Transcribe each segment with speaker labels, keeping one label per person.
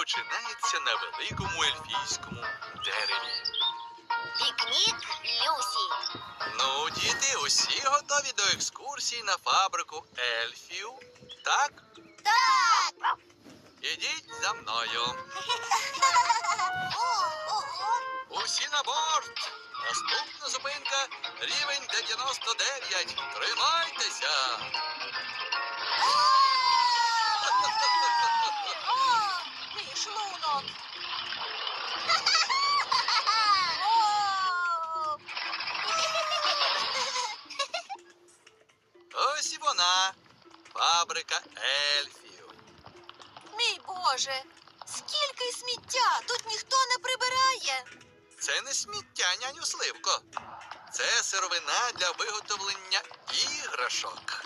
Speaker 1: починається на великому ельфійському дереві.
Speaker 2: Пікнік Люсі.
Speaker 1: Ну, діти, усі готові до екскурсії на фабрику ельфів? Так?
Speaker 2: Так!
Speaker 1: Ідіть за мною.
Speaker 2: Ого!
Speaker 1: Усі на борт. Наступна зупинка – рівень 99. Тримайтеся.
Speaker 2: Мій шлунок!
Speaker 1: Ось і вона. Фабрика ельфів.
Speaker 2: Мій Боже! Скільки сміття! Тут ніхто не прибирає!
Speaker 1: Це не сміття, няню Сливко. Це сировина для виготовлення іграшок.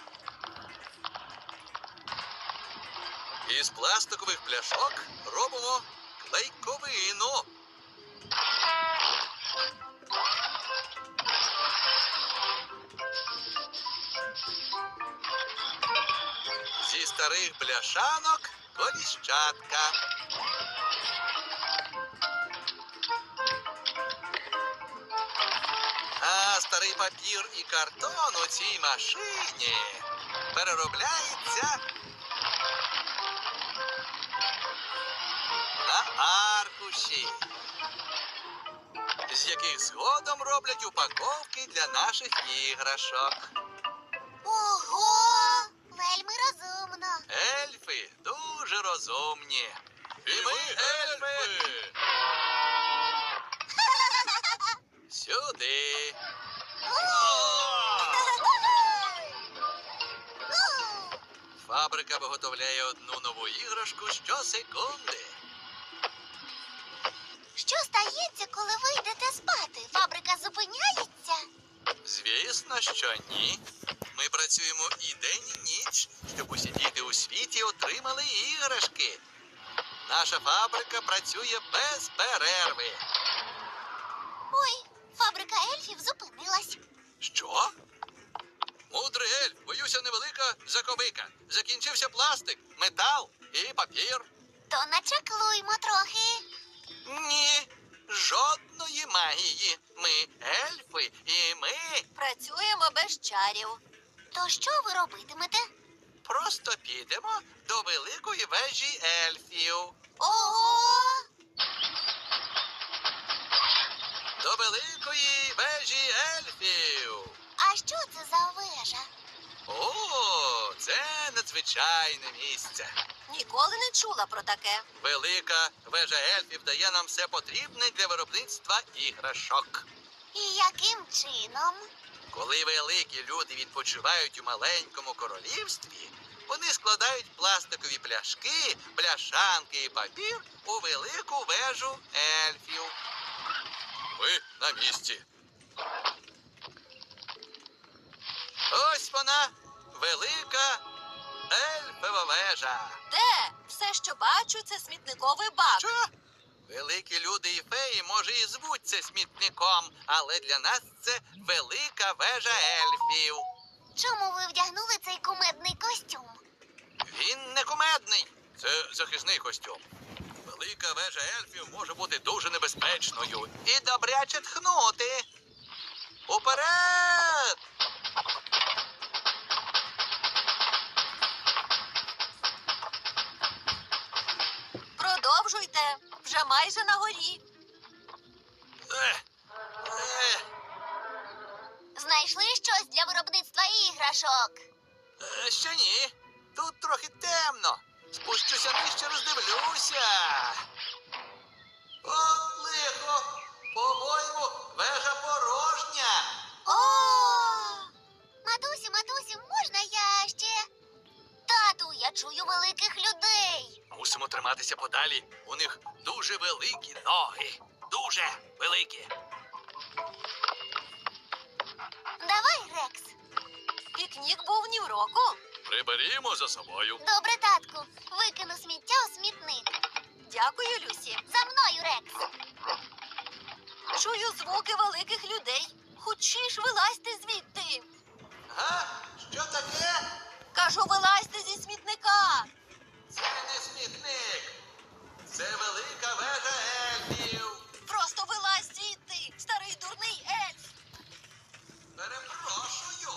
Speaker 1: Із пластикових пляшок робимо клейковину. Зі старих бляшанок коліщатка. А старий папір і картон у цій машині переробляється на аркуші, з яких згодом роблять упаковки для наших іграшок.
Speaker 2: Ого! Вельми розумно!
Speaker 1: Ельфи дуже розумні. І ми ельфи! Сюди. Фабрика виготовляє одну нову іграшку щосекунди.
Speaker 2: Що стається, коли ви йдете спати? Фабрика зупиняється?
Speaker 1: Звісно, що ні. Ми працюємо і день, і ніч, щоб усі діти у світі отримали іграшки. Наша фабрика працює без перерви.
Speaker 2: Ой, фабрика ельфів зупинилась.
Speaker 1: Що? Мудрий ельф, боюся, невелика заковика. Закінчився пластик, метал і папір.
Speaker 2: То начаклуймо трохи.
Speaker 1: Ні, жодної магії. Ми ельфи і ми
Speaker 2: Працюємо без чарів. То що ви робитимете?
Speaker 1: просто підемо до великої вежі ельфів.
Speaker 2: Ого!
Speaker 1: До великої вежі ельфів.
Speaker 2: А що це за вежа?
Speaker 1: О, це надзвичайне місце.
Speaker 2: Ніколи не чула про таке.
Speaker 1: Велика вежа ельфів дає нам все потрібне для виробництва іграшок.
Speaker 2: І яким чином?
Speaker 1: Коли великі люди відпочивають у маленькому королівстві, вони складають пластикові пляшки, бляшанки і папір у велику вежу ельфів. Ми на місці. Ось вона, велика ельфова вежа.
Speaker 2: Де? Все, що бачу, це смітниковий бак.
Speaker 1: Що? Великі люди і феї, може, і звуться смітником, але для нас це велика вежа ельфів.
Speaker 2: Чому ви вдягнули цей кумедний костюм?
Speaker 1: Він не кумедний, це захисний костюм. Велика вежа ельфів може бути дуже небезпечною і добряче тхнути. Уперед!
Speaker 2: Продовжуйте. Вже майже на горі.
Speaker 1: Ех, ех,
Speaker 2: Знайшли щось для виробництва іграшок?
Speaker 1: ще ні. Тут трохи темно. Спущуся нижче, роздивлюся. От лихо! По-моєму, вежа порожня.
Speaker 2: О! Матусю, можна я ще? Тату, я чую великих людей.
Speaker 1: Мусимо триматися подалі. У них дуже великі ноги. Дуже великі.
Speaker 2: Давай, Рекс. Пікнік був ні в року.
Speaker 1: Приберімо за собою.
Speaker 2: Добре, татку. Викину сміття у смітник. Дякую, Люсі. За мною, Рекс. Чую звуки великих людей. Хочеш, вилазьте звідти.
Speaker 1: Га? Що таке?
Speaker 2: Кажу, вилазьте зі смітника.
Speaker 1: Це не смітник. Це велика вежа ельфів.
Speaker 3: Просто вилазь звідти, старий дурний ельф.
Speaker 1: Перепрошую.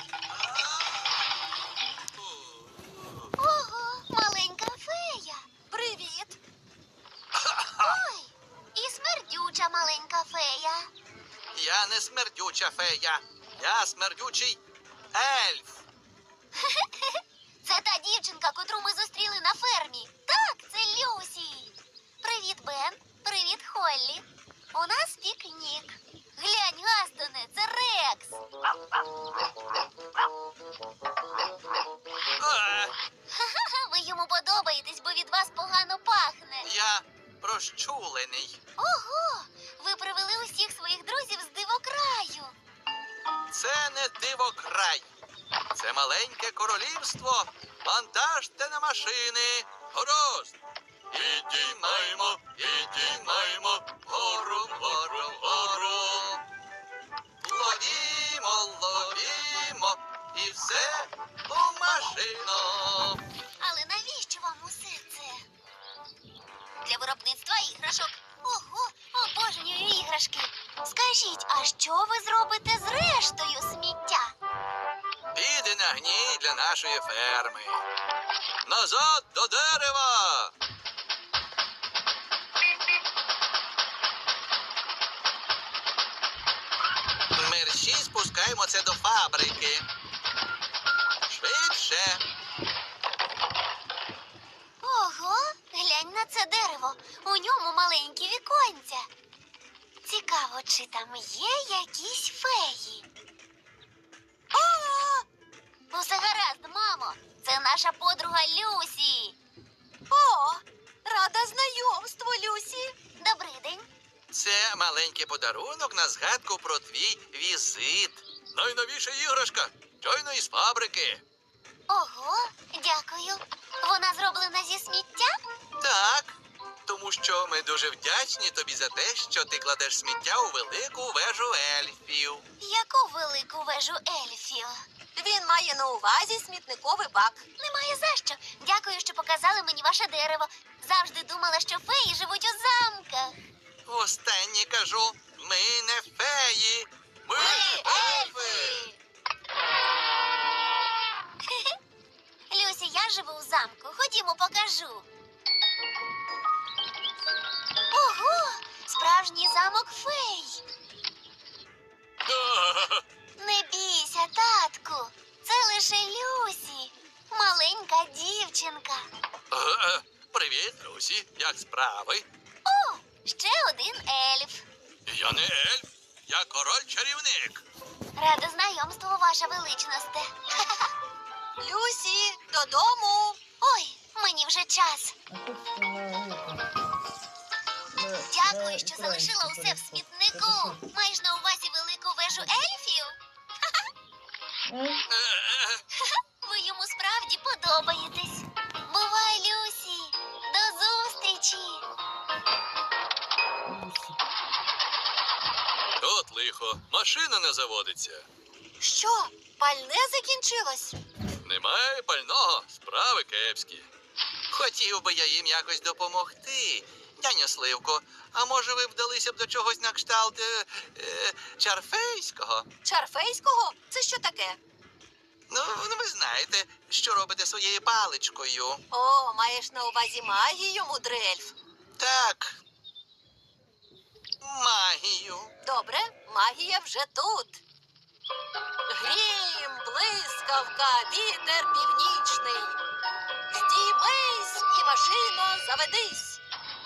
Speaker 2: Ого, маленька фея.
Speaker 3: Привіт.
Speaker 2: Ой, і смердюча маленька фея.
Speaker 1: Я не смердюча фея. Я смердючий ельф.
Speaker 2: Це та дівчинка, котру ми зустріли на фермі. Так, це Люсі. Привіт, Бен. Привіт, Холлі. У нас пікнік. Глянь, Гастоне, це Рекс. Ха-ха, ви йому подобаєтесь, бо від вас погано пахне.
Speaker 1: Я розчулений.
Speaker 2: Ого, ви привели усіх своїх друзів з дивокраю.
Speaker 1: Це не дивокрай. Це маленьке королівство. Вантажте на машини. Гаразд. Підіймаємо, підіймаємо, вгору, вгору, вгору. Ловімо, ловімо, і все у машину.
Speaker 2: Але навіщо вам усе це? Для виробництва іграшок. Ого, обожнюю іграшки. Скажіть, а що ви зробите з рештою сміття?
Speaker 1: Піде на гній для нашої ферми. Назад до дерева. Мерщій спускаємо це до фабрики. Швидше.
Speaker 2: Ого, глянь на це дерево. У ньому маленькі віконця. Цікаво, чи там є якісь феї? О! Усе гаразд, мамо. Це наша подруга Люсі.
Speaker 3: О, рада знайомству, Люсі.
Speaker 2: Добрий день.
Speaker 1: Це маленький подарунок на згадку про твій візит. Найновіша іграшка. Щойно із фабрики.
Speaker 2: Ого, дякую. Вона зроблена зі сміття?
Speaker 1: Так, тому що ми дуже вдячні тобі за те, що ти кладеш сміття у велику вежу ельфів.
Speaker 2: Яку велику вежу ельфів?
Speaker 3: Він має на увазі смітниковий бак.
Speaker 2: Немає за що. Дякую, що показали мені ваше дерево. Завжди думала, що феї живуть у замках.
Speaker 1: Востаннє кажу, ми не феї, ми ельфи.
Speaker 2: Люсі, я живу у замку. Ходімо, покажу. Ого! Справжній замок фей. Не бійся, татку. Це лише Люсі. Маленька дівчинка.
Speaker 1: Привіт, Люсі, як справи?
Speaker 2: О, ще один ельф.
Speaker 1: Я не ельф, я король-чарівник.
Speaker 2: Рада знайомству, ваша величносте.
Speaker 3: Люсі, додому.
Speaker 2: Ой, мені вже час. Дякую, що залишила усе в смітнику. Маєш на увазі велику вежу ельфів? Ви йому справді подобаєтесь. Бувай, Люсі. До зустрічі.
Speaker 1: От лихо, машина не заводиться.
Speaker 3: Що, пальне закінчилось?
Speaker 1: Немає пального, справи кепські. Хотів би я їм якось допомогти. Дяню Сливко, а може ви вдалися б до чогось на кшталт чарфейського?
Speaker 3: Чарфейського? Це що таке?
Speaker 1: Ну, ви знаєте, що робите своєю паличкою.
Speaker 3: О, маєш на увазі магію, мудрий ельф.
Speaker 1: Так. Магію.
Speaker 3: Добре, магія вже тут. Грім, блискавка, вітер північний. Здіймись і машино заведись.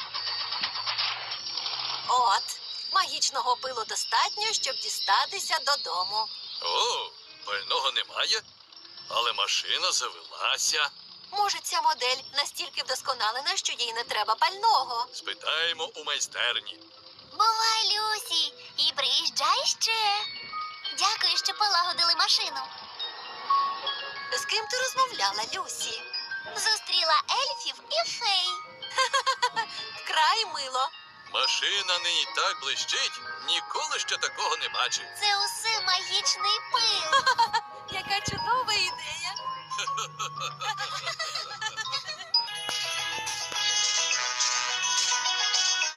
Speaker 3: От, магічного пилу достатньо, щоб дістатися додому.
Speaker 1: О, пального немає, але машина завелася.
Speaker 3: Може, ця модель настільки вдосконалена, що їй не треба пального.
Speaker 1: Спитаємо у майстерні.
Speaker 2: Бувай, Люсі. І приїжджай ще. Дякую, що полагодили машину.
Speaker 3: З ким ти розмовляла, Люсі?
Speaker 2: Зустріла ельфів і фей.
Speaker 3: Вкрай мило.
Speaker 1: Машина нині так блищить, ніколи ще такого не бачив.
Speaker 2: Це усе магічний пил.
Speaker 3: Яка чудова ідея.